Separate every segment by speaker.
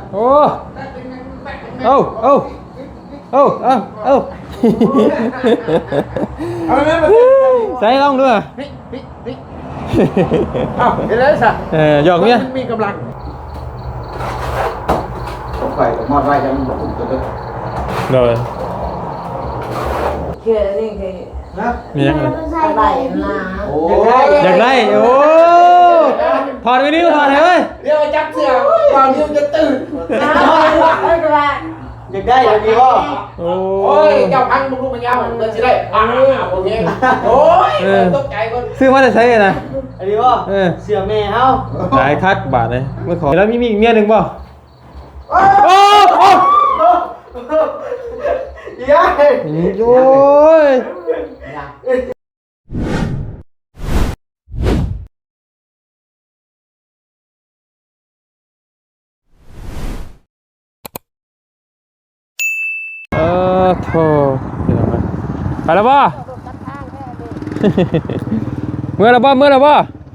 Speaker 1: โอ้เอาเอาเอาเอาเอาใส่ลองด้วย
Speaker 2: อ้าวเห็นแล้วสิ
Speaker 1: หยอกเนี่ย
Speaker 2: มีกำลังผมไปกับมอดไว้ยังบอกผมตัวเด็ก
Speaker 1: เลย
Speaker 3: เชื่อนี่คือ
Speaker 2: นะ
Speaker 1: มียังไง
Speaker 3: อะไรนะ
Speaker 2: โอ้
Speaker 1: อยากได้โอ้ถอดไปนิ้วถอดเลยเว้ย
Speaker 2: เดี๋ยวจับเสือก่อนที่มันจะตื่นอยากได้อย่างนี้ว่า
Speaker 1: โอ้
Speaker 2: ยเจ้าพังลูกมันยาวเหมือนจะได้โอเคโอ้ยตกใจคน
Speaker 1: ซื้อมาได้ใช้นะ
Speaker 2: อันนี้ว่าเสือแม่เฮา
Speaker 1: หลายคักบาทเลยเมื่อขอแล้วมีเมียหนึ่งป่ะโอ้โอ้
Speaker 2: ยัย
Speaker 1: โอ้ยโธ่ไปแล้วป่ะเมื่อแล้วป่ะไปแล้วป่ะ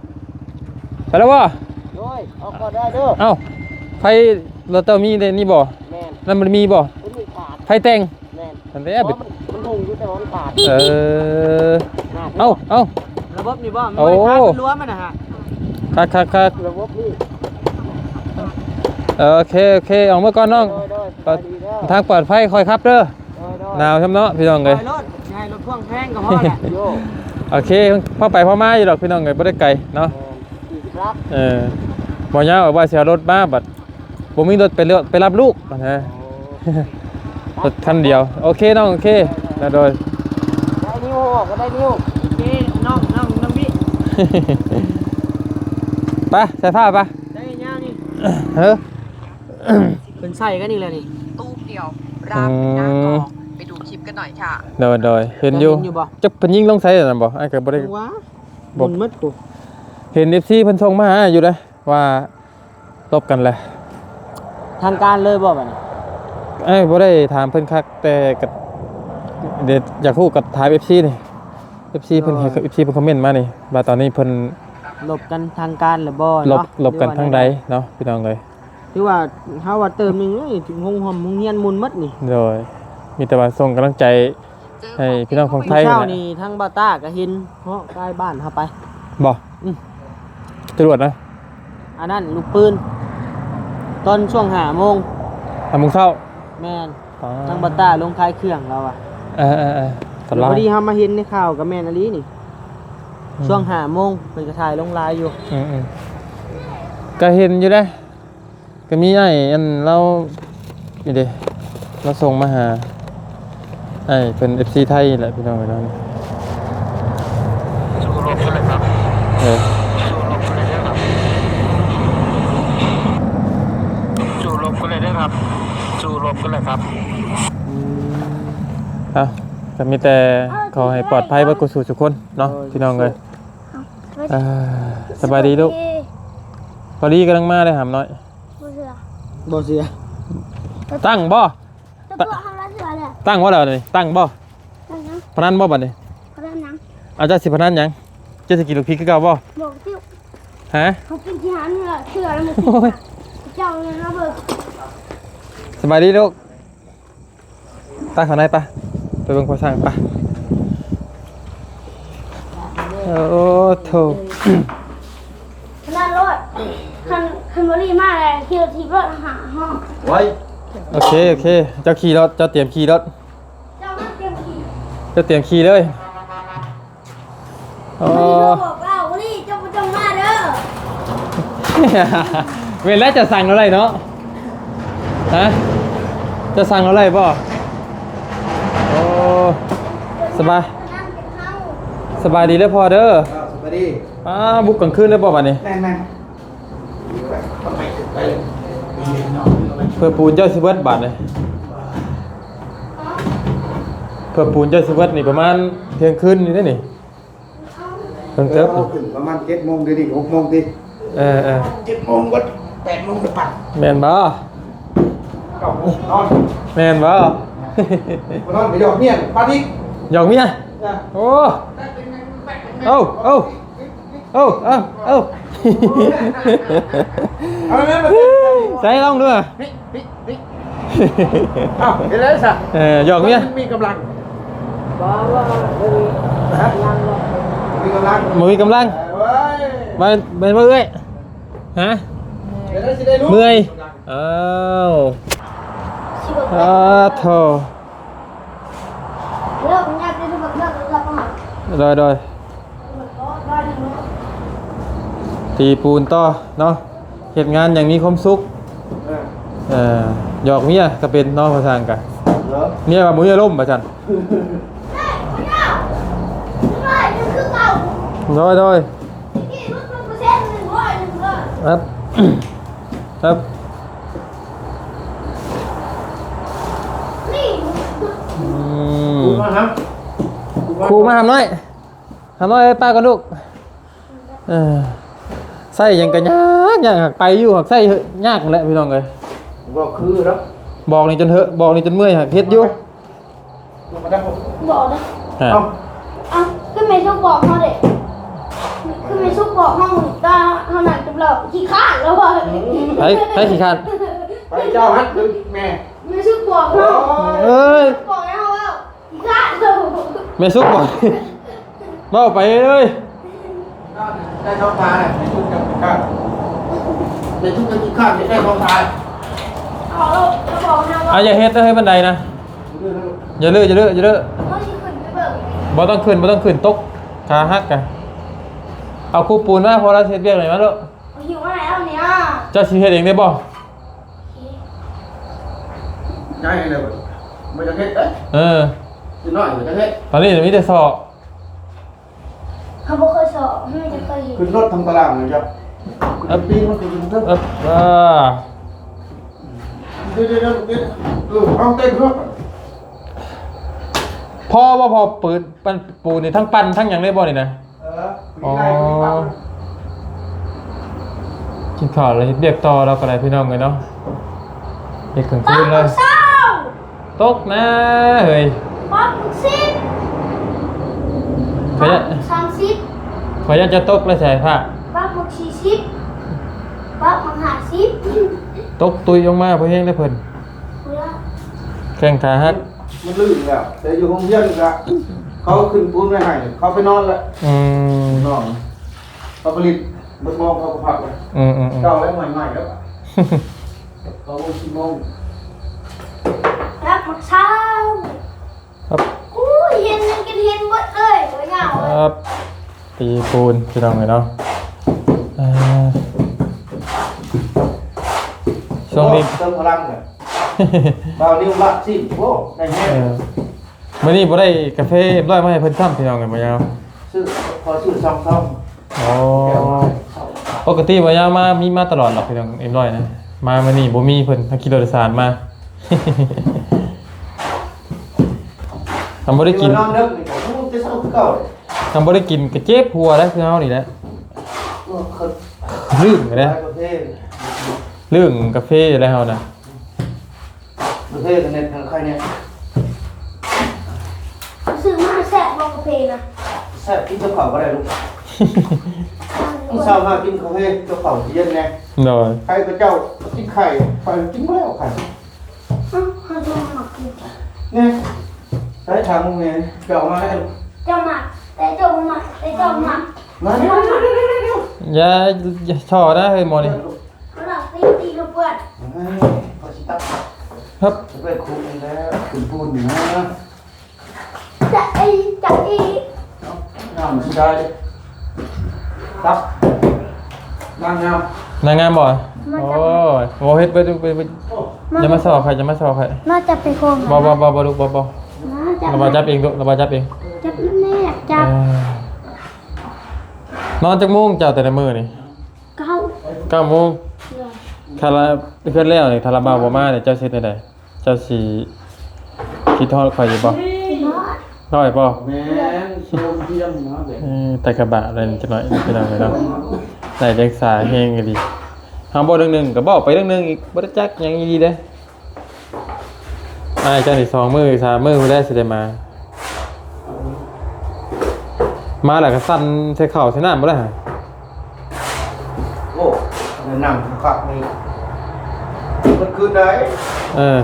Speaker 2: เอาก็ได้เด้อ
Speaker 1: เอ้าไฟเราเตอมีนี่บ่นั่นมันมีบ่ไฟแต่งมันได้
Speaker 2: มันลงอยู่แต่ว่ามันขาด
Speaker 1: เอ้า
Speaker 3: ระบบนี่บ่มันไม่ขาดมันรั้วมันนะฮะ
Speaker 1: คัก
Speaker 2: ระบบนี่
Speaker 1: โอเคออกมาก่อนน้องทางปลอดภัยคอยครับเด้อหนาวช่ำเนาะพี่น้องเลย
Speaker 3: รถพ่วงแพงก็พอแหละ
Speaker 1: โอเคพ่อไปพ่อมาอยู่ดอกพี่น้องเลยไม่ได้ไกลเนาะบ่ยาวว่าเสียรถมาบัดผมมีรถไปรับลูกนะรถคันเดียวโอเคน้องโอเคแล้วโดย
Speaker 3: ได้นิ้วก็ได้นิ้วโอเคน้องพี่
Speaker 1: ไปใส่ผ้าไป
Speaker 3: ได้ยาวนี่เป็นใส่กันนี่แหละนี่
Speaker 4: ตู้เดียวรามหน้ากองไปดูคลิปกันหน่อยค่ะ
Speaker 1: โดยเห็นอยู่จะเป็นยิ่งลงใส่หรือเปล่าไอ้ก็บ่ได้
Speaker 3: บ่มัดกู
Speaker 1: เห็น FC เพิ่นส่งมาหาอยู่เลยว่าตบกันแหละ
Speaker 3: ทางการเลยบ่บัดนี้
Speaker 1: บ่ได้ถามเพิ่นคักแต่ก็เดี๋ยวอยากฮู้กับถาม FC นี่ FC เพิ่นเห็น FC เพิ่นคอมเมนต์มานี่ว่าตอนนี้เพิ่น
Speaker 3: ลบกันทางการหรือบ่
Speaker 1: เนาะลบกันทางใดเนาะพี่น้องเลย
Speaker 3: คือว่าเฮาว่าเติมนึงถึงหอมเฮียนมุนมัดนี่
Speaker 1: โดยมีแต่ว่าส่งกำลังใจให้พี่น้องคนไทย
Speaker 3: เช้านี่ทั้งบาต้าก็เห็นเพราะใกล้บ้านเฮาไป
Speaker 1: บ่จรวดนะ
Speaker 3: อันนั้นลูกปืนตอนช่วง5 โมง
Speaker 1: เช้า
Speaker 3: แม่นทั้งบาต้าลงคายเครื่องเราอ่ะพอดีเฮามาเห็นในข่าวกับแม่นอลีนี่ช่วง5 โมงเพิ่นก็ถ่ายลงไลน์อยู่
Speaker 1: ก็เห็นอยู่เด้ก็มีไอ้อันเรานี่เด้เราส่งมาหาไอ้เป็น FC ไทยแหละพี่น้องเรานี่
Speaker 2: สู้รบกันเลยครับสู้รบกันเลยครับสู้รบกันเลยครับ
Speaker 1: ก็มีแต่ขอให้ปลอดภัยเพื่อกุศลทุกคนเนาะพี่น้องเลยสบายดีลูกพอดีกำลังมาเลยหามน้อย
Speaker 3: บ่เสีย
Speaker 1: ตั้งบ่ตั้งว่าอะไรตั้งบ่พนันบ่บัดนี้อาจจะสิพนันยังจะสกินลูกพริกก็เก่าบ่ฮะ
Speaker 5: เขากินที่หางเนี่ยเชื่อแล้วมันเจ้าเลยนะเบิก
Speaker 1: สบายดีลูกตั้งข้างในปะไปเบิ่งโคสั่งปะโอ้โถ
Speaker 5: นั่นรถคันบรีมากเลยขี่รถทีรถหาห้อง
Speaker 2: ไว้
Speaker 1: โอเคเจ้าขี่รถเจ้าเตรียมขี่รถ
Speaker 5: เจ้าเตรีย
Speaker 1: มขี่เลย
Speaker 5: โอ้บอกเราวันนี้เจ้าผู้จงมาเด้
Speaker 1: อเวลาจะสั่งอะไรเนาะฮะจะสั่งอะไรป่ะโอ้สบายดีเลยพอเด้อ
Speaker 2: สบายดี
Speaker 1: บุกกลางคืนได้ป่ะวันนี้
Speaker 2: แม่
Speaker 1: เพื่อปูนเจ้าสิเวิร์ดบาทเลยเพื่อปูนเจ้าสิเวิร์ดนี่ประมาณเที่ยงคืนนี่ได้นี่เพิ่งเติบ
Speaker 2: ประมาณ7 โมงดิ6 โมงดิ7 โมงก็8 โมงจะปัด
Speaker 1: แมนบ่
Speaker 2: 9 โมงนอน
Speaker 1: แมนบ่
Speaker 2: นอนไปหยอกเมียปาดิ
Speaker 1: หยอกเมียโอ้เอา
Speaker 2: เอาแม่มา
Speaker 1: ใส่ลองด้วย
Speaker 2: นี่อ้าวเห็นแล้วสิ
Speaker 1: หยอกเมีย
Speaker 2: มีกำลัง
Speaker 3: บ่ว่ายังบ่
Speaker 2: มีกำลัง
Speaker 1: บ่มีกำลัง
Speaker 2: เว้ย
Speaker 1: มาเป็นบ่เอ้ยฮะ
Speaker 2: เดี๋ยวได้สิได้รู้
Speaker 1: เมื่อยอ้าว
Speaker 5: ชิบะ
Speaker 1: โธ่
Speaker 5: เลิกมันยากที่จะแบบเลิกแล้วก็หา
Speaker 1: โดยตีปูนต่อเนาะเหตุงานอย่างมีความสุขหยอกเมียก็เป็นเน้องภาษาอังกฤษเมียว่ามือล่มประจันโดยครับ ครับ
Speaker 2: มาครับ
Speaker 1: ครูมาทำน้อยเอ้ยป้ากันลูกใส่ยังกันยากหักไปอยู่หักใส่ยากแหละพี่น้องเลย
Speaker 2: บอกคือแล้ว
Speaker 1: บอกนี่จนเถอะบอกนี่จนเมื่อยหักเฮ็ดอยู่
Speaker 2: มาได้ผม
Speaker 5: บอกนะ
Speaker 1: อ่ะ
Speaker 5: อ่ะขึ้นไปซุกบอกเขาเด็กขึ้นไปซุกบอกห้องตาเท่านั้นกับเราขี้ข้านแล้วว่ะ
Speaker 1: ไปขี้คร้าน
Speaker 2: ไปเจ้าฮัทแม่
Speaker 5: ไม่ซุกบอกห้อง
Speaker 1: เอ้ย
Speaker 5: บอกให้เขาว่าขี้ข้านเรา
Speaker 1: แม่ซุกบอก เว้าไปเลย
Speaker 2: ได้ท้องทายในทุกกับข้าวในทุกกับข้าวได้ท้องทาย
Speaker 5: เอาเราบอกนะว่า
Speaker 1: อย่าเฮ็ดนะให้บันไดนะอย่าเลื่อ
Speaker 5: เขาที่ขึ้นไปเบิก
Speaker 1: บ่ต้องขึ้นตกขาหักกันเอาคู่ปูนมาพอเราเฮ็ดเวียกหน่อยมาลูก
Speaker 5: หิวอะไรแล้วเนี่ย
Speaker 1: เจ้าสิเฮ็ดเองได้บ่
Speaker 2: ง่ายเลยไม่จะเฮ็ดเอ๊ะ
Speaker 1: เออ
Speaker 2: คือน้อยไม่จะเฮ็ด
Speaker 1: ตอนนี้มีแต่สอบ
Speaker 5: เขาบอกเคยสอบไม่จะเคยเห็น
Speaker 2: ขึ้นรถทำตารางเลยครับปีมันคือเท่า เดี๋ยวเอาเต้นเพื่อ
Speaker 1: พอบ่พอปืนปั้นปูนนี่ทั้งปั้นทั้งหยังได้บ่นี่นะ
Speaker 2: มีอะไรมีปาก
Speaker 1: กินข้าวแล้วเฮ็ดเวียกต่อเราก็ได้พี่น้องเลยเนาะเฮ็ดกลาง
Speaker 5: ป้า
Speaker 1: คืนเลย
Speaker 5: เศร้า
Speaker 1: ตกนะเฮ้ย
Speaker 5: ป้าสิบ
Speaker 1: ขอยัน
Speaker 5: 30
Speaker 1: ขอยันจะตกแล้วใส่ผ้า
Speaker 5: ป้า40ป้า50
Speaker 1: ตกตุยออกมาเพื่อเฮงได้เพิ่น
Speaker 5: เพื่อ
Speaker 1: แข้งขาหัก
Speaker 2: มันลื่นแล้วแต่อยู่ห้องเยี่ยมละเขาขึ้นปูนไม่ให้เขาไปนอนแล้ว นอนเขาผลิตมันมองเขาก็พักเลยเก่าแล้วใหม่ๆแล้วเขาโมงชิโมง
Speaker 5: รับมักเช้า
Speaker 1: ครับ
Speaker 5: อู้เห็นกันเห็นหมดเลยตัวเหงา
Speaker 1: ครับตีปูนพี่น้องเลยเนาะช่วงนี้
Speaker 2: เติมพลังเลยเบานิ้วละสิโอ้ได้แน่
Speaker 1: มื่อนี้บ่ได้กาแฟร้อยมาให้เพิ่นซ้ำพี่น้องกันบ่ยาว
Speaker 2: ซื้อพอซื้อซอง
Speaker 1: อ๋อปกติบ่ยาวมามีมาตลอดหรอกพี่น้องเอ็มร้อยนะมามื้อนี้บ่มีเพิ่นขี่รถโดยสารมา ทำบ่ได้กิน
Speaker 2: น้ำเลิกนี่ผมจะเศร้าคือเก่าเลย
Speaker 1: ทำบ่ได้กินก็เจ็บหัวแล้วคือเฮานี่แหละ
Speaker 2: เคย
Speaker 1: ลืมไปแล้ว
Speaker 2: ประเทศ
Speaker 1: เรื่องกาแฟอะไรเฮานะ
Speaker 2: ประเทศเน็ตใครเนี่ย
Speaker 5: ซื้อมาแซ่บลงกาแฟนะ
Speaker 2: แซ่บกินเจ้าเข่าก็ได้ลูกต้องเช้ามากินกาแฟเจ้าเข่าเย็นไง
Speaker 1: หน่อย
Speaker 2: ใครก็เจ้ากินไข่ไปกินไม่แล้วไข่
Speaker 5: เขาจะมาหมักกิน
Speaker 2: เนี่ยใช้ทางมึงไงเจ้ามาแล้ว
Speaker 5: เจ้าหมักแต่เจ้าหมักแต่เจ้าหมัก
Speaker 2: มาเร็ว
Speaker 1: อย่าช่อนะเฮ้ยหมอนี่
Speaker 5: เขาหลับตีกระเพื่อน
Speaker 2: พอชิตับ
Speaker 1: ครับ
Speaker 2: จะไปคุมแล้วคุณปูนนะ
Speaker 5: จะอี
Speaker 2: น้ำชิได้ตับน้ำงาม
Speaker 1: นางงามบ่โอ้ยโอ้เฮ็ดไปดูไปอย่ามาสอบใครอย่ามาสอบใคร
Speaker 5: น่าจะไปโคม
Speaker 1: บ่ลูกบ่
Speaker 5: น่าจะ
Speaker 1: ระบาดจับเองลูกระบาดจับเอง
Speaker 5: จับแน่จับ
Speaker 1: นอนจักโมงเจ้าแต่ละมื้อนี่ 9 โมงคาราเพิ่นแล้วนี่คาราบาวบ่มาเนี่ยเจ้าสิเฮ็ดได้เจ้าสิคิดทอดข่อยอยู่บ่น้อยบ่
Speaker 2: แม่โซมเทียมนะเด็ก
Speaker 1: แต่กระบะอะไรจักหน่อยพี่น้องเนาะได้เด็กสาแฮงก็ดีเฮาบ่เรื่องหนึงก็บอกไปเรื่องหนึงอีกบ่ได้จักหยังอีดีเด้เจ้านี่2 มื้อ3 มื้อบ่ได้สิได้มาแล้วก็สั่นใส่ข้าวใส่น้ำบ่ได้ฮะ
Speaker 2: โอ้หนังขักนี่มันคืนไหน
Speaker 1: เออ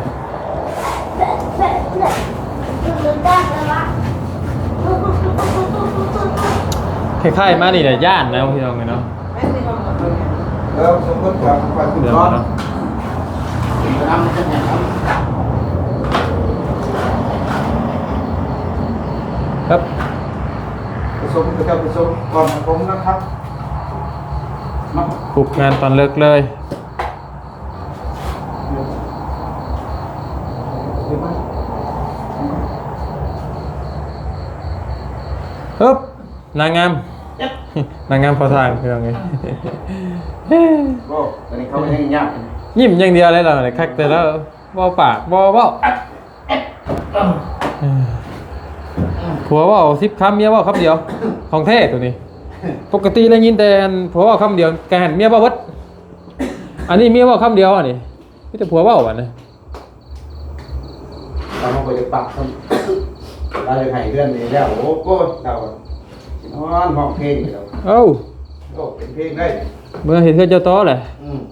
Speaker 1: คล้ายๆมานี่แหละย่านนะพี่น้องเนาะ
Speaker 2: แล้วสมมติว่าไฟขึ้น
Speaker 1: เดี๋ยว
Speaker 2: ร้อน
Speaker 1: เนาะ
Speaker 2: น้ำมันจะแห้ง
Speaker 1: ครับ
Speaker 2: ผสมกับเจ้าผสมก่อนผมนะครับเนาะ
Speaker 1: ปลุกงานตอนเลิกเลย
Speaker 2: เห็นไหม
Speaker 1: ฮึบนางงาม นางงามพอทางพี่น้องไง
Speaker 2: ก็ตอนนี้เขาไม่ได้ยาก
Speaker 1: ยิ้มอย่างเดียวเลยเราเนี่ยคักแต่แล้วบ่ปากบ่เว้าผัวเว่า10คำเมียเว่าคำเดียวของแท้ตัวนี้ ปกติได้ยินแต่ผัวเว่าคำเดียวแกหันเมียเว้าเบิดอันนี้เมียเว่าคำเดียวอันนี้มีแต่ผัวเว้าอันนี้
Speaker 2: เราไปจะปักเราจะให้เพื่อนนี่แล้วโอ้โหเรานอนห้องเพลงเรา
Speaker 1: เอ้า
Speaker 2: โอ้เป็นเพลงได้
Speaker 1: เมื่อเห็นเพื่อนเจ้าต้อแหละ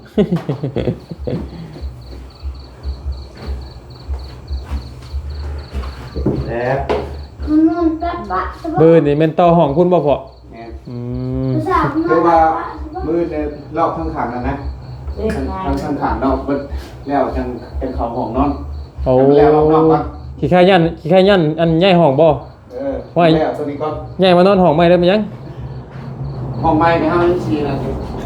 Speaker 2: แล้ว
Speaker 1: เบอร์นี่แม่นต่อห้องคุณบ่พอ
Speaker 2: เนี่ย
Speaker 1: อืม
Speaker 2: คือว่ามือเนี่ยรอบข้างขังนะข้างขังนอกแล้วจังเขาห้องนอน
Speaker 1: โอ้
Speaker 2: แล้วรอบนอกกัน
Speaker 1: ขี้ข้ายันอันใหญ่ห้องบ่
Speaker 2: แล้วตัวนี้ก็
Speaker 1: ใหญ่มานอนห้องใหม่ได้มั้ยยัง
Speaker 2: ห้องไม้ในห้องชีนะ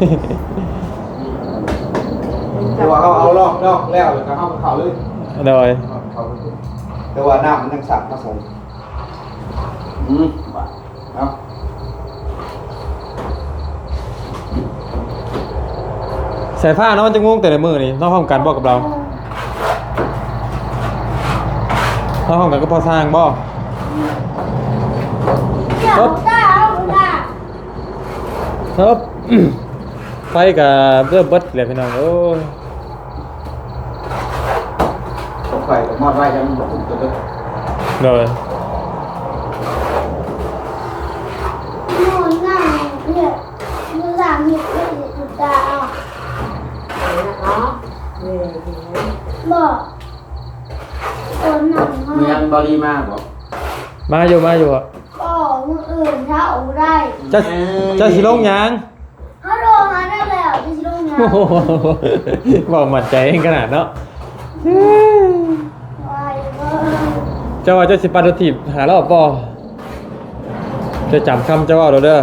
Speaker 2: แต่ว่าเขาเอารอบนอกแล้วก็เข้าเขาเลย
Speaker 1: โดย
Speaker 2: แต่ว่าน้ำมันยังสั่งผสมเอา
Speaker 1: สายฟ้าเนาะมันจะงงแต่ละมื้อนี่นอกห้องกันบ่กับเรานอกห้องกันก็พอสร้างบ่ครับไปกับเริ่มเบิดเลยพี่น้องโอ้ย
Speaker 2: ผมไฟกับมอดไว้ยังบอกตัวตัว
Speaker 1: โดย
Speaker 2: เมียนบริมาบอก
Speaker 1: มาอยู่อ่ะ
Speaker 5: ก็มืออื่นถ้าเอาได้
Speaker 1: จะสิลงหยัง
Speaker 5: เขาโดนมาได้แล้วจะชิลงยา
Speaker 1: โอ้โหบอกมั่นใจเองขนาดเนาะ
Speaker 5: วายเว้ย
Speaker 1: เจ้าว่าเจ้าสิปาโดทีบหารอบบ่จะจำคำเจ้าว่าเราเด้อ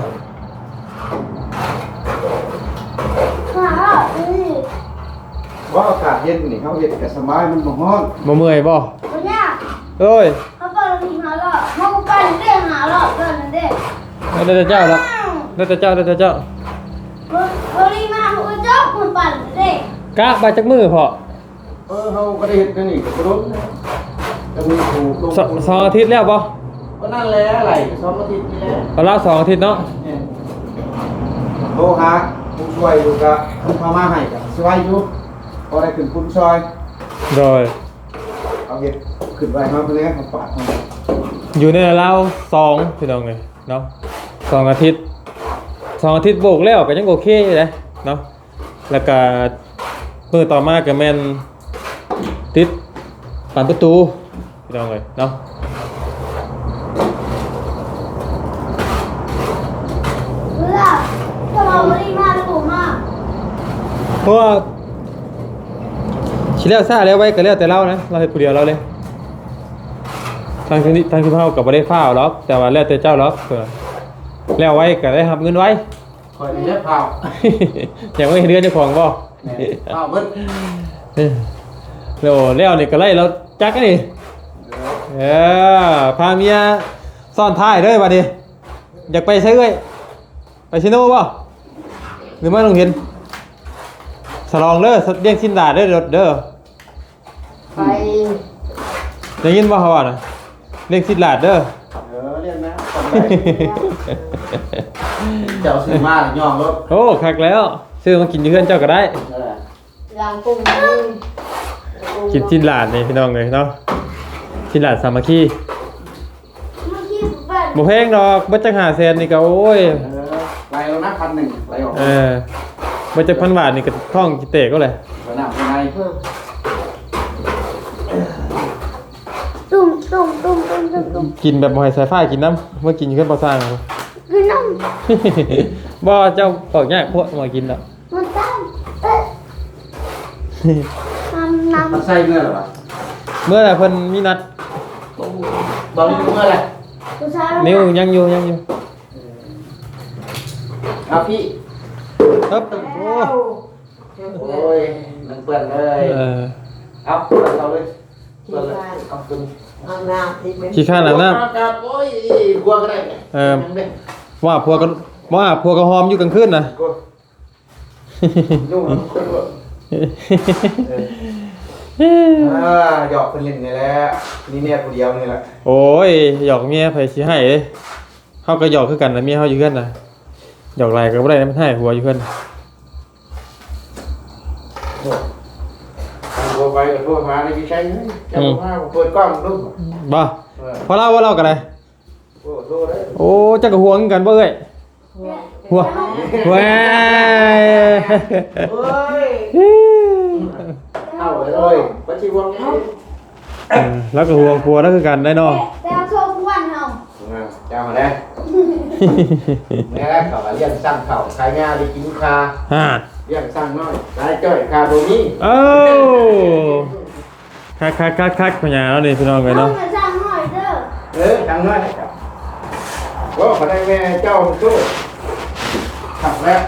Speaker 5: ขานี่
Speaker 2: ว่าอากาศเย็นนี่เขาเย็นแต่สบายมันบ่ฮ้อน
Speaker 1: บ่เมื่อยบ่
Speaker 5: วันนี้
Speaker 1: เอ้ย
Speaker 5: เขาเปิดทีหาหลอดเขาไปเด้หาหลอดเกินเด้
Speaker 1: ได้แต่เจ้าแล้วได้แต่เจ้า
Speaker 5: บริมาหัวเจ้าคนปั่นเด้
Speaker 1: กะบาจักมือพอ
Speaker 2: เขาก็ได้เห็นกันนี่กับรถจะมีถูกลง
Speaker 1: สองอาทิตย์แล้วบ่
Speaker 2: ก็นั่นแหละอะไร2 อาทิตย์นี่แหละ
Speaker 1: ก็ละ2อาทิตย์เนาะ
Speaker 2: โทรหาผู้ช่วยอยู่กับคุณพามาให้กับช่วยอยู่พอได้ขึ้นคุณช่วย
Speaker 1: โดย
Speaker 2: เอาเห็ดขึ้นไปมาเป็นไงเขาปาดเขา
Speaker 1: อยู่ในราว2พี่น้องเอ้ยเนาะ2อาทิตย์โบกแล้วก็ยังโอเคอยู่เลยเนาะแล้วก็มื้อต่อมาก็แม่นติดปานประตูพี่น้องเอ้ยเนาะ
Speaker 5: เพื่อจะมาบริมาหรือผมมา
Speaker 1: เพราะว่าชิแล้วซ่าแล้วไว้ก็แล้วแต่เรานะเราเฮ็ดผู้เดียวเราเลยทางที่เฮาก็บ่ได้ฟ้าวหรอกแต่ว่าแล้วแต่เจ้าหรอกแล้วไว้ก็ได้รับเงินไว้
Speaker 2: คอยเล็บเผา
Speaker 1: อย่างไม่เห็นเดือนเจ้าของบ่
Speaker 2: เผาเบิ้ล
Speaker 1: แล้วนี่ก็ไล่เราจักนี่พาเมียซ่อนท้ายเด้อบัดนี้อยากไปใช้เอ้ยไปซิโน่บ่หรือไม่ต้องเห็นสลองเด้อเลี้ยงชิ้นดาดเด้อเด้อ
Speaker 3: ไป
Speaker 1: ได้ยินบ่เขาว่าน่ะเลี้ยงชิ้นดาดเด้อ
Speaker 2: เรียนนะทำไรเจ้าซื้อมาย่องรถ
Speaker 1: โอ้คักแล้วซื้อมากินอยู่เพื่อนเจ้าก็ได้
Speaker 3: ยางกุ้ง
Speaker 1: กินชิ้นดาดนี่พี่น้องเลยเนาะชิ้นดาดสามัคคี
Speaker 5: เมื่อกี้ผมปั่น
Speaker 1: บ่แพงดอกบ่จัก500,000นี่ก็โอ้ย
Speaker 2: ไรแล้วนะ1,100ไรออก
Speaker 1: บ่จัก1,000 บาทนี่ก็ท่องกิเตะก็เลย
Speaker 2: สนามเป็นไง
Speaker 5: ตุ้ม
Speaker 1: กินแบบบ่ให้สายฟ้ากินน้ำเมื่อกินอยู่เพิ่นบ่สร้าง
Speaker 5: กินน้
Speaker 1: บ่เจ้าออกยากพวกมากินดอก
Speaker 5: ำมันตั้งน้ำ
Speaker 2: มันใส่เมื่อหรอวะ
Speaker 1: เมื่อไหร่เพิ่นมีนัด
Speaker 2: บอกนี่เมื่อไร
Speaker 5: ผู้ชาย
Speaker 1: นิ้วยังอยู่
Speaker 2: เอาพี่
Speaker 1: ครับโอ้
Speaker 2: โอ้ยมันเปื้อนเลย เอาเราเลยเปื้อนเลยเอาขึ้น
Speaker 1: ขี้ข้านอาบน้ำ
Speaker 2: ครับโอ้ยกลัวก็ได้
Speaker 1: ว่าพวกก็หอมอยู่กลางคืนนะ
Speaker 2: กลัวยุ่งคนกลัวหยอกเป็นเล่นนี่แหละนี่เนี่ยคนเดียวนี่แหละ
Speaker 1: โอ้ยหยอกเมียไผสิให้เด้เฮาก็หยอกคือกันนะเมียเฮาอยู่เฮือนน่ะหยอกหลายก็บ่ได้นะมันให้หัวอยู่เฮือน
Speaker 2: โทรไปก็โทรมาในพี่ชัยจะบอกว่าเปิดกล้องดู
Speaker 1: บ่พอเล่าว่าเล่ากันเลย
Speaker 2: โอ้โทรได้
Speaker 1: โอ้จักก็ห่วงกันบ่เอ้ยหัวแหว
Speaker 2: เฮ้ยเอาเลยปัจจุบันนี้
Speaker 1: แล้วก็ห่วงผัวแล้วคือกันได้เนาะ
Speaker 5: แต่เอาโชว์ทุกวันเหรอ
Speaker 2: เจ้ามาแล้วนี่แหละเขาเรียกสั่งเขาขายงาได้กินคา
Speaker 1: ฮะ
Speaker 2: เรียกสั่งน้อยขายจ้อยคาโบนี้
Speaker 1: เอ้าคักพญาแล้วนี่พี่น้องกัน
Speaker 5: เอา
Speaker 1: เนาะ
Speaker 5: เงินจ้างหน่อยเด้อ
Speaker 2: สั่งน้อยครับโอ้ขอได้แม่เจ้าสู้ขับแล้ว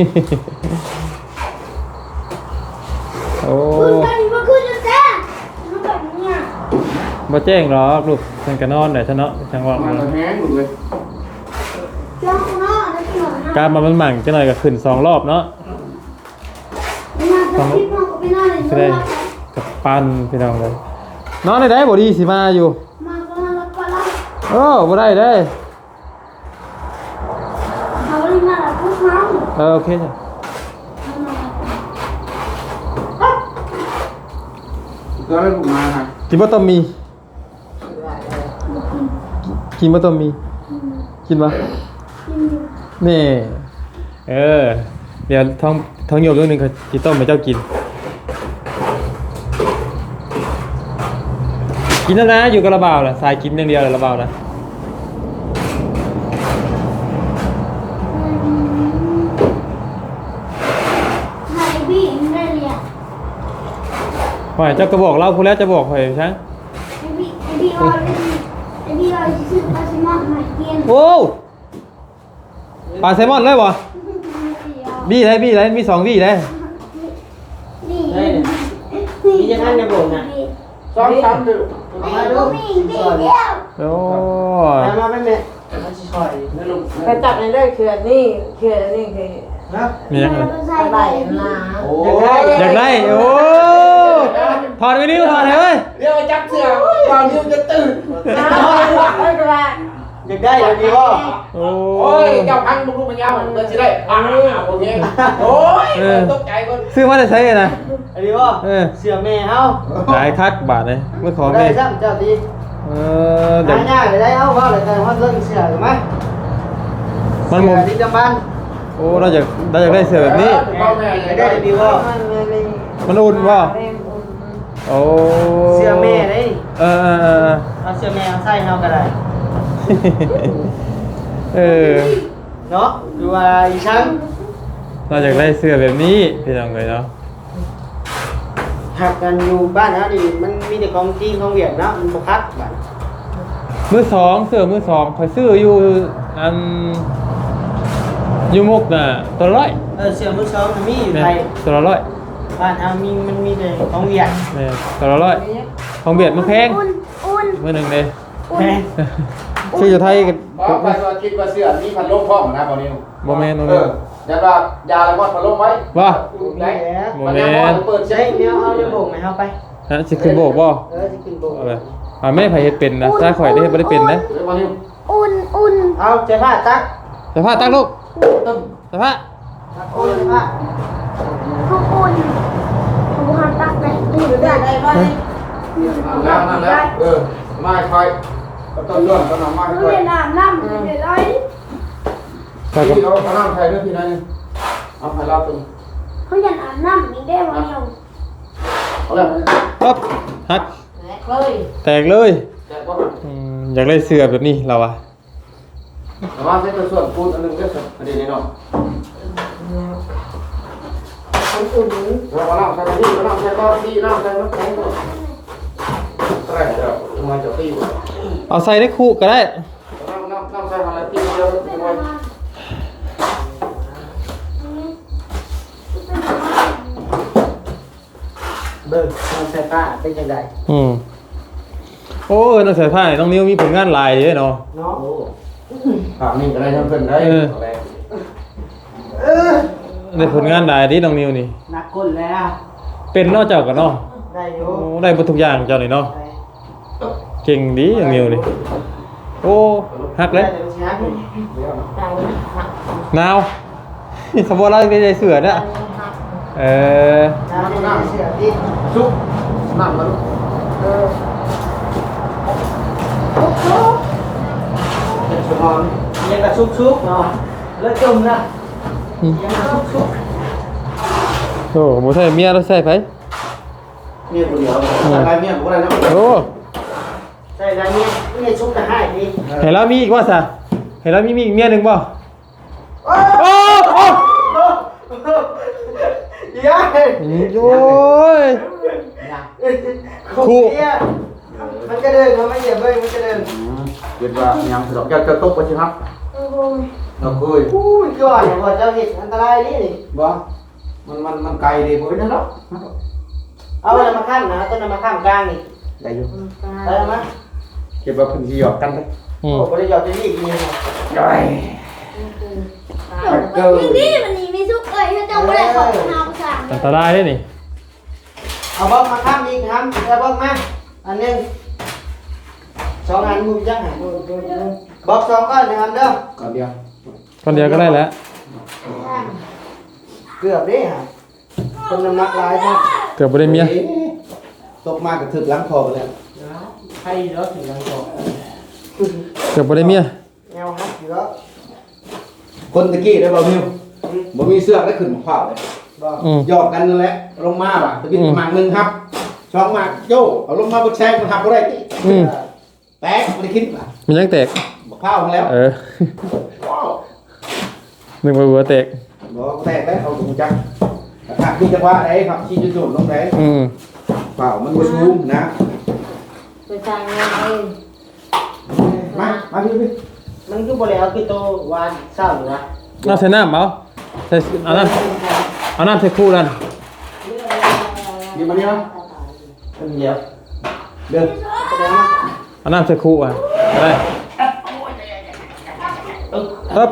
Speaker 1: โอ้
Speaker 5: คุณกันมาคืนจะแจ้งมันแบบนี้อ่ะ
Speaker 1: บ่แจ้งหรอกลูกฉันก็นอนได้ซะเนาะจังว่า
Speaker 2: มันแห้งหมดเลย
Speaker 5: จ้องเนาะแล้วหน่อยนะ
Speaker 1: การมันหมั่งจังหน่อยก็ขึ้น2รอบเนาะ
Speaker 5: ไม่น่าจะคิดมากก็ไม่น่าเลย
Speaker 1: ก็ได้กับปั้นพี่น้องเลยนอนได้บ่ดีสิมาอยู่
Speaker 5: มาก็น่ารักกว่าเรา
Speaker 1: โอ้บ่ได้เด้
Speaker 5: เขาเลยน่ารักทุกครั้ง
Speaker 1: โอเคจ้ะ
Speaker 2: ก็เลยมาฮะ
Speaker 1: กินบ่ต้มมีกินบ่ต้มมีกินบ่นี่เดี๋ยวท้องโยกเรื่องหนึงเขาสิต้มให้เจ้ากินกินแล้วนะอยู่กับระบ่าวน่ะสายกินอย่างเดียวเลยระบ่าวนะ
Speaker 5: ไฮบี้ไม่ได้เรียน
Speaker 1: ว่าเจ้าก็บอกเราพูดแล้วจะบอกข่อยช้าง
Speaker 5: ไอบี้ว่าไอบี้ว่าซื้อปลาแซลมอนมากิน
Speaker 1: โอ้ปลาแซลมอนเลยบ่บี้ได้มี2บี้ได้
Speaker 5: นี่
Speaker 3: มีจะท่านจะบอกนะ
Speaker 2: ซ้อมซ้ำดู
Speaker 5: มาดูมีบี้เดียว
Speaker 1: โอ้
Speaker 3: มาไปแม่มาชิคอย
Speaker 2: นี่ลูก
Speaker 6: ไปจับในเรื่องคืออันนี้คืออันนี้คือ
Speaker 2: นะ
Speaker 1: มียังไง
Speaker 5: ใส่
Speaker 6: อะไร
Speaker 5: ใบ
Speaker 6: นะ
Speaker 2: โอ้
Speaker 1: อยากได้โอ้ถอดไปนิ้วถอดเลยเว้ย
Speaker 2: เดี๋ยวจับเสือก่อนที่จะตื่น
Speaker 6: ไม่เป็นไร
Speaker 3: อยากได้อยากดีว่า
Speaker 1: โอ้
Speaker 2: โอ้ยเจ้าพังลูกมันยาวมันจะได้โอเคโอ้ยตกใจหมด
Speaker 1: ซื้อมาได้ใช้นะ
Speaker 3: อันนี้ว่าเสือแม่เฮา
Speaker 1: หลายคักบาทเลยเมื่อของ
Speaker 3: ได้
Speaker 1: นี่
Speaker 3: ซ้ำเจ้าดี
Speaker 1: เดี๋ยว
Speaker 3: ง่ายๆได้เอาว่าเลยแต่ว่าเรื่องเสือถูกไหม
Speaker 1: มันมุม
Speaker 3: ที่จำบ้าน
Speaker 1: โอ้เราอยากได้เสื้อแบบนี้
Speaker 2: พ่อแม่
Speaker 3: อยากได้ดีว่า
Speaker 1: มันอุ่นว่าโอ้
Speaker 3: เสือแม่ได้
Speaker 1: เออ
Speaker 3: เอาเสือแม่เอาใส่เฮาก็ได้ เนาะดูว่าอีช่าง
Speaker 1: เราอยากได้เสื้อแบบนี้พี่น้องเลยเนาะ
Speaker 3: หักกันอยู่บ้านเฮาดิมันมีแต่ของจีนของเวียดเนาะมันบ่คักบัด
Speaker 1: มือสองเสื้อมือสองคอยซื้ออยู่อันอยู่มุกน่ะตัวละ100
Speaker 3: เสือมือสองมันมีอยู่
Speaker 1: แม่
Speaker 3: ไทย
Speaker 1: ตัวละ100
Speaker 3: บ้านเฮามันมีแต่ของเวียด
Speaker 1: แม่ตัวละ100ของเบียดมันแพง
Speaker 5: อุ่น
Speaker 1: มือหนึ่งเลย
Speaker 3: แม่
Speaker 1: ชื่ออยู่ไทยกัน
Speaker 2: เพราะไปว่าคิดว่าเสื้อมีพันลมพ่อนะตอนนี้
Speaker 1: โมเมนต์
Speaker 2: ยันว่ายาแล้วก็พันลมไว้
Speaker 1: ว่า
Speaker 2: ไหน
Speaker 1: โม
Speaker 2: มัน
Speaker 1: เม
Speaker 2: ยัง
Speaker 1: นต์
Speaker 2: เปิด
Speaker 3: ใช่
Speaker 2: ใช้
Speaker 3: แนวเอาเดี๋ยวโบกให้เฮาไป
Speaker 1: ฮะสิขึ้นโบกบ่
Speaker 3: สิขึ้นโบก
Speaker 1: เอาไปแม่ไผเฮ็ดเป็นนะถ้าข่อยได้เฮ็ดบ่ได้เป็นนะ
Speaker 2: เดี๋ยวมาที่
Speaker 5: อุ่น
Speaker 3: เอาเสื้อผ้าตัก
Speaker 1: สภาพตั้งลูก
Speaker 2: ตึ้ม
Speaker 1: สภาพ
Speaker 3: ตักโอ้เสื้อผ้า
Speaker 5: เขาอุ่นเขาหันตักไหน
Speaker 6: ได้ได้ไหม
Speaker 2: นั่นแล้วไม่ค่อยต้นต้นต้นน้ำไม่
Speaker 5: เขา
Speaker 2: ค่อย
Speaker 5: เรียนน้ำเดี๋ยวไร
Speaker 2: ที่เราเขาน้ำไทยด้วยพี่นั่นเอาไปรับตึง
Speaker 5: เขาอยากอาบน้ำมีได้วันเดียว
Speaker 2: เอาเลย
Speaker 1: ปั๊บฮัก
Speaker 6: เลย
Speaker 1: แตกเลย
Speaker 2: แต่ว่า
Speaker 1: อยากได้เสื้อแบบนี้เราอะ
Speaker 2: แต่ว่าใช้ตัวส่วนปูนอันนึงก็ประเด็นนี้เนาะเราเอาใส่ที่เราใส่ก้อนที่เราใส่มะแขงก่อนอะไรเดี๋ยวมาจะตี
Speaker 1: เอาใส่ได้คู่ก็ได้
Speaker 2: น้ำใส่อะไรตีเดียวยังไง
Speaker 3: เบิ่งน้องใส่ป้าเป็นจังได๋
Speaker 1: โอ้น้องสายผ้าน้องนิ้วมีผลงานหลายเด้เนาะ
Speaker 3: เนาะ
Speaker 2: ถามนี่อะไรทั้งเพิ่นได้
Speaker 1: ได้ผลงานหลายดิน้องนิ้วนี่
Speaker 3: นักคนแล้ว
Speaker 1: เป็นนอกจากกันเนาะ
Speaker 3: ได้อยู่
Speaker 1: โอ้ได้หมดทุกอย่างเจ้านี่เนาะเก่งดีน้องนิ้วนี่โอ้ฮักเลยหนาวสมบูรณ์แล้วไม่ได้เสือเนี่ยเออ
Speaker 3: น้ำเสียดิ
Speaker 2: ซุปน้ำมัน
Speaker 3: เป็นสมองยังกระชุกๆเนาะแล้วจมนะยังกระชุก
Speaker 1: โอ้หมูใส่เมียแล้วใส่ไป
Speaker 2: เมียคนเดียวอะไรเมียผมอะไรนะ
Speaker 1: โอ้
Speaker 3: ๆใส่แล้วเนี่ยชุกจะให้ดิ
Speaker 1: เห็นแล้วมีอีกว่าซะเห็นแล้วมีอีกเมียหนึ่งป่ะโอ้โอ้
Speaker 3: ยาย
Speaker 1: โอ้ย
Speaker 3: คู่เนี่ยมันก็เดินมันไม่เหยียบเลยมันก็เดิน
Speaker 2: เกิดว่ายังสะดอกจะตกไปใช่ไหมเราเคย
Speaker 3: อุ้ยก่อนพอเจ้าเห็ดอันตรายนี่
Speaker 2: บ่มันไกลดีผมไม่ได้หรอก
Speaker 3: เอาอะไรมาข้ามนะต้นมาข้ามกลางนี่
Speaker 2: ได้อยู่
Speaker 3: เอามา
Speaker 2: เก็บว่าเพิ่นสิหยอกกันเลย
Speaker 1: อืม
Speaker 3: โอ้บริยอดจะนี่กินยังไง
Speaker 2: ย่อยเกิ
Speaker 5: ยิงดีมันนี่มีซุกเอ้ยถ้าเจ้าไม่ได้ของน้ำสั่ง
Speaker 1: อันตรายด้วยนี่
Speaker 3: เอาบล็อกมาข้ามอีกครับเอาบล็อกมาอันนึงสองอันมุมจังหันบล็อกสองก้อนนะครับเด้อ
Speaker 2: ก่อนเดียว
Speaker 1: คนเดียวก็ได้แล้ว
Speaker 3: เกือบดิฮะคนน้ำหนักหลายครับ
Speaker 1: เกือบบ่ได้เมีย
Speaker 2: ตกมากกับถึกล้างคอไปแล้ว
Speaker 3: ให้เยอะถึงยังโต
Speaker 1: เกือบบ่ได้เมีย
Speaker 3: แนวฮักอยู่แล้ว
Speaker 2: คนตะกี้ได้บ่มิวบ่มีเสื้อได้ขึ้นขวาเลย
Speaker 3: บอก
Speaker 1: อืม
Speaker 2: หยอกกันนั่นแหละลงมาว่ะตะกี้หมากนึงครับช่องหมากโยเอาลงมาบ่แซงมันหักบ่ได้ติ
Speaker 1: อืม
Speaker 2: แตกบ่ได้คิดว่ะ
Speaker 1: มันยังแตก
Speaker 2: บ่ข้าวมาแล้ว
Speaker 1: เออ
Speaker 2: ว้าว
Speaker 1: หนึ่งหัวแตก
Speaker 2: บ่แตกแล้วเอาถุงจักหักที่จังหวะไหนครับชี้จุดๆลงไหน
Speaker 1: อืม
Speaker 2: เปล่ามันบ่สูงนะ
Speaker 6: ไปทางงานเอง
Speaker 2: มาพี่
Speaker 3: มันคือบริเอาคือโตวานเศร้าอยู่นะ
Speaker 1: น้ำใส่น้ำเอาใส่เอาน้ำใส่คู่นั่น
Speaker 2: นี่มานี่เนาะ
Speaker 3: เดี๋ยว
Speaker 2: เดิน
Speaker 1: เอาน้ำใส่คู่อ่ะได้ครับ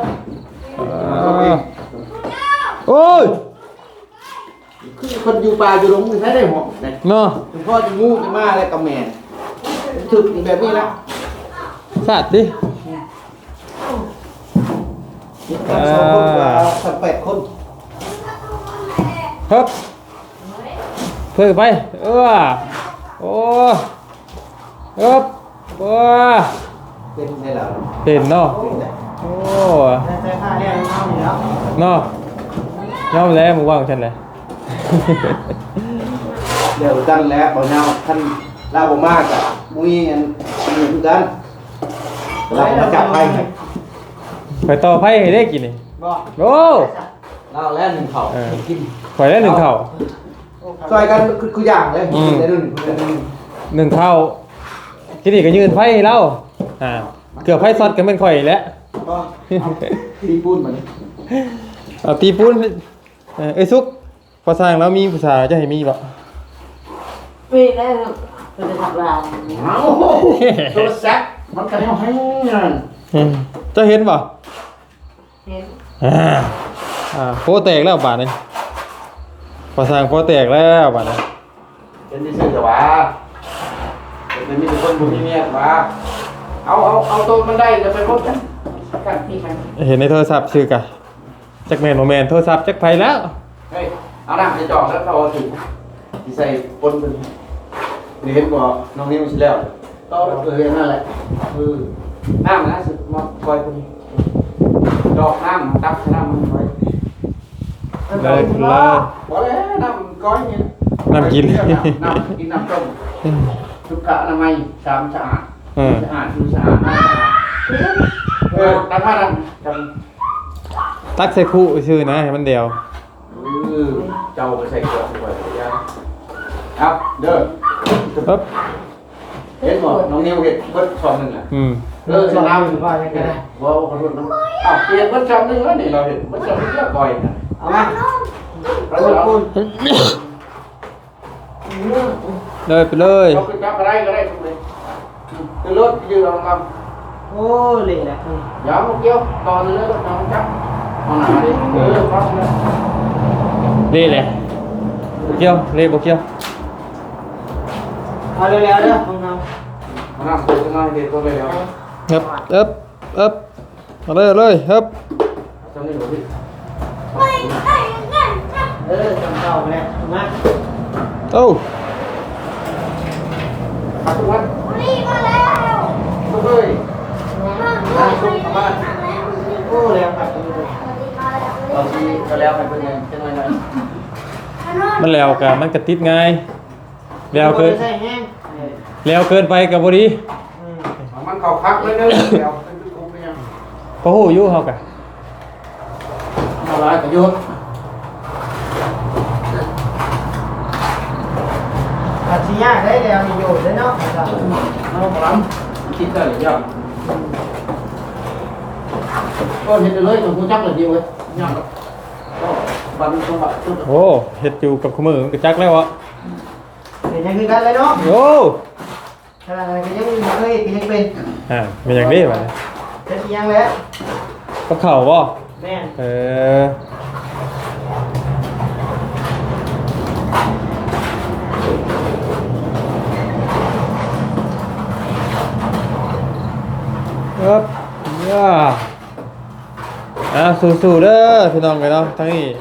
Speaker 1: โอ้ย
Speaker 2: คือคนอยู่ป่าอยู่หลงใช้ได้หมดนะ
Speaker 1: เนาะ
Speaker 2: ถึงพ่อจะงูจะมาอะไรกับแม่ถึกแบบนี้แล้ว
Speaker 1: สาดดิ
Speaker 2: สองคนกว่าสัก8 คน
Speaker 1: ครับเพื่อไปโอ้โอ้ครับโอ้
Speaker 2: เป็นไงล่ะ
Speaker 1: เห็นเนาะโอ้
Speaker 3: แต่ค่าเนี่ยเอาอยู่แล้ว
Speaker 1: เนาะยอมแล้วมึงว่าของฉันเลย
Speaker 2: เดี๋ยวกันแล้วบ่ยาวท่านลาบ่มากอ่ะมุ้ยอันนี้คือกันเรามาจับไป
Speaker 1: ไปต่อไพ่ให้ได้กินนี่
Speaker 3: บอก
Speaker 1: โอ้
Speaker 2: เราแล้วหนึ่งเข่ากิน
Speaker 1: ข่อยได้หนึ่งเข่า
Speaker 2: ซอยกันคืออย่างเลยได้หนึ่ง
Speaker 1: หนึ่งเข่ากินนี่ก็ยืนไพ่ให้เราเกือบไพ่ซอดกันเป็นข่อยแล้ว
Speaker 2: ก็ตีปูนเหมือน
Speaker 1: เอาตีปุ้นเอ้ยซุกพอสร้างแล้วมีภาษาจะให้มีบ่
Speaker 6: ปีแล้วก็จะทำลาย
Speaker 2: เอาโทรศัพท์มันกันเอาให้เงิน
Speaker 1: จะเห็นบ่
Speaker 6: เห็น
Speaker 1: โปแตกแล้วบาดนี้พอสร้างโปแตกแล้วบาดนี้
Speaker 2: เป็นที่ซื่อแต่ว่าเป็นมีแต่คนบุญเมียว่าเอาตัวมันได้จะไปพบกันกันพี่มัน
Speaker 1: เห็นในโทรศัพท์ชื่อกะจักแมนโมแมนโทรศัพท์จักไผแล้ว
Speaker 2: เฮ้ยเอาหนังจะจ่อแล้วเขาถึงที่ใส่ปนเป็นนี่เห็นบ่น้องนิ้วสิแล้วต่อเลยนั่นแหละน้ำนะสุดมาคอยคนดอกน้ำตักน้ำมันไว้
Speaker 1: เลยคุณเลย
Speaker 2: พอแล้วน้ำก้อยเนี่ย
Speaker 1: น้ำกิน
Speaker 2: น้ำกินน้ำต้มสุขอนามัยสามสะอาดสะอาดดูสะอาดมากตั้งมาดัง
Speaker 1: ตักใส่คู่ชื่อนะให้มันเดียว
Speaker 2: เจ้าไปใส่กล่องไว้ยังครับเด้อ
Speaker 1: ปึ๊บ
Speaker 2: เห็นบ่น้องนิวเห็นเบิดช่องนึงอ่ะชนะมันว่ายังไงว่าขอโทษนะเปลี่ยนเบิดช่องนึงแล้วนี่เราเห็นเบิดช่องนึงเยอะบ่อยนะเอามาเอา
Speaker 1: เลยไปเลย
Speaker 2: เอาขึ้นจับอะไรก็ได้ทุกเลยคือรถยืนเอาค
Speaker 3: โอ้เละแหละ
Speaker 2: ำย้ำลูกเกี้ยวตอนเลยรถน้องจับเอาหนาดิครับเลย
Speaker 1: เละเลยเกี่ยวเละบ่เกี่ยว
Speaker 3: เอาเร็วๆเด้อของเรา
Speaker 2: เอาหน้าตัวขึ้นมาเด็ดตัวไปแล้ว
Speaker 1: เอาเลยครับ
Speaker 2: จำนี่บ่พี่
Speaker 3: จำเก่าไปแล้วมา
Speaker 1: โอ้
Speaker 2: ขับทุกวัน
Speaker 5: นี่มาแล้ว
Speaker 2: ทุกเลย
Speaker 5: มาแล้ว
Speaker 3: โอ้แล้วครับ
Speaker 2: ตอนที่ก็แล้วมันเป็นยังเป็นยังไง
Speaker 1: มันแล้วกะมันกระติดง่ายแล้วเกิน
Speaker 3: ใส่แห้ง
Speaker 1: แล้วเกินไปกับบ่ดี
Speaker 2: มันเข้าคักเลยเด้อแล้วเป็นคุกยัง
Speaker 1: บ่ฮู้อยู่เฮากะ
Speaker 2: อะไรประโยชน์
Speaker 3: อาชียากได้แล้วมีอยู่ได้เนาะ
Speaker 2: น้องล้ำคิดได้หรือยังก็เห็นเลยตัวผู้จักเลยดีเว้ยยังก็บันสมบัติชุด
Speaker 1: โอ้เฮ็ดอยู่กับขมือมันก็จักแล้วอ่ะ
Speaker 3: เป็นยังคือกันเลยเนาะ
Speaker 1: โอ้
Speaker 3: ขนาดนั้นก็ยังเคยเป็น
Speaker 1: มีอย่างนี้ว่ะ
Speaker 3: เป็นยังแล้ว
Speaker 1: กับข้าวบ่
Speaker 3: แม่
Speaker 1: ครับย่าสู้ๆเด้อพี่น้องกันเนาะทั้งนี้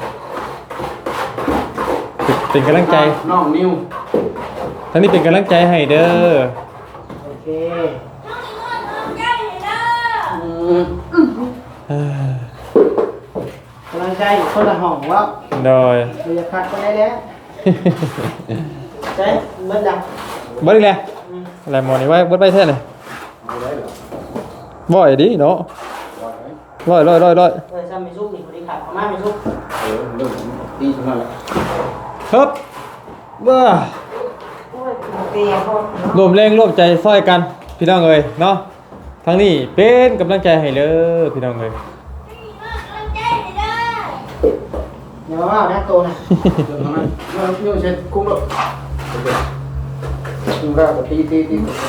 Speaker 1: เป็นกำลังใจ
Speaker 2: น้องนิว
Speaker 1: ทั้งนี้เป็นกำลังใจให้เด้อ
Speaker 3: โอเค
Speaker 1: เอ้อก
Speaker 3: ำลังใจคนละห้องว่า
Speaker 1: โดย
Speaker 3: เราจะคัดก็ได้แล้วใช่เบิ้ลดัง
Speaker 1: เบิดอีกแล้วอะไรหมอนี่ไว้เบิดไปแท้เลยบ่อยดิเนาะร้อย
Speaker 3: เออซ้ำมีซุปนี่พอดีขาดประมาณมีซุป
Speaker 2: เรื่องตีเท่านั้นแหละ
Speaker 1: ครับว้า
Speaker 3: โอ้ยเตียเขา
Speaker 1: รวมแรงร่วมใจซอยกันพี่น้องเอ้ยเนาะทั้งนี้เป็นกำลังใจให้เด้อพี่น้องเอ้ย
Speaker 3: เดี๋ยวว่านะโตนะ
Speaker 2: เรื่องนั้นเราเที่ยวเช็ดคุ้มแล้วคุ้มแล้วก็ตีเดี๋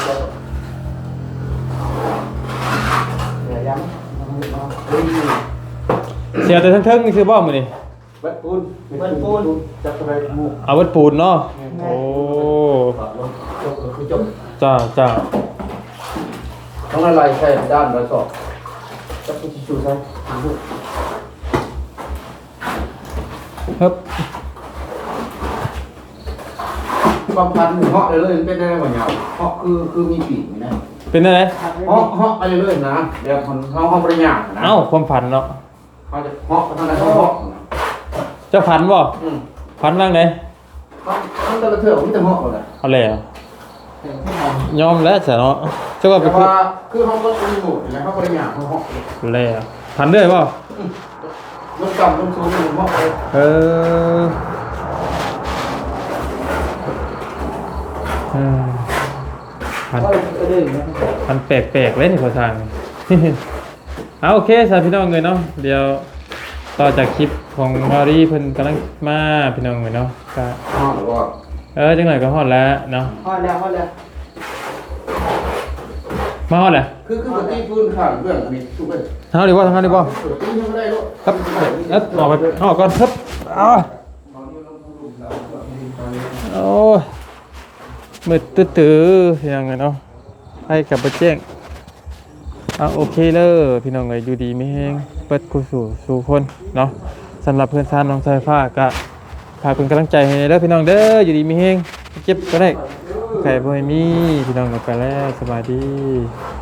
Speaker 2: ยวย้ำ
Speaker 1: เสียแต่ทั้งๆนี่คือบ่มื้อนี้
Speaker 2: เบ็ดปูนจับไปหมู
Speaker 1: เอาวัดปูนเนาะโอ้
Speaker 2: ตัดลงจบก็คือจบ
Speaker 1: จ้า
Speaker 2: ต้องอะไรใช่ด้านเราสอบจับไปชิชูใช่
Speaker 1: ครับ
Speaker 2: บางพันเหาะเลยเป็นได้บ่ยาวเหาะคือมีปีกนะ
Speaker 1: เป็นอะไร
Speaker 2: เหาะอะไรเลยนะเดี๋ยวมันห้องบริญญานะ
Speaker 1: เอ้าความฝันเนาะ
Speaker 2: เขาจะเหาะทางไหนเขาเหาะ
Speaker 1: เจ้าฝันบ่ฝันว่างไหน
Speaker 2: เขาตะเถื่อนมันจะเหาะเลย
Speaker 1: เอาแล้วยอมแล้วจ้ะเนาะเจ้าก็ไป
Speaker 2: แต่ว่าคือเขาก็มีหมดนะเขาบริญญาเขาเหาะ
Speaker 1: แล้วฝันด้วยบ่
Speaker 2: ลงต่ำลงสูงเหาะเลย
Speaker 1: เออฝัน
Speaker 3: ก็ดึงนะ
Speaker 1: มันแปลกๆเลยนี่ขอทาง เอาโอเคสาพี่น้องเลยเนาะเดี๋ยวต่อจากคลิปของมารีเพิ่นกำลังมาพี่น้องเลยเนาะก็
Speaker 2: เหาะหรือว่า
Speaker 1: จังหน่อยก็ฮอดแล้วเนาะ
Speaker 3: พอแล้ว
Speaker 1: มาฮอดแล้ว
Speaker 2: คือปกติพื้นข้างเรื่องอันนี้ทุกคน
Speaker 1: เฮาดีบ่ทางเฮาดีบ่
Speaker 2: ปกติยังไม่ได้ลูก
Speaker 1: ครับออกไปออกก่อนครับอ้าวโอ้ยมืดตื้อๆยังไงเนาะให้กลับไปแจ้งโอเคเลยพี่น้องเลยอยู่ดีไม่แห้งเปิดกูสู่คนเนาะสำหรับเพื่อนซ่านน้องสายฟ้าก็ฝากเป็นกำลังใจให้เด้อพี่น้องเด้ออยู่ดีไม่แห้งเจ็บก็ได้ไข่บ่ให้มีพี่น้องกันไปแล้วสบายดี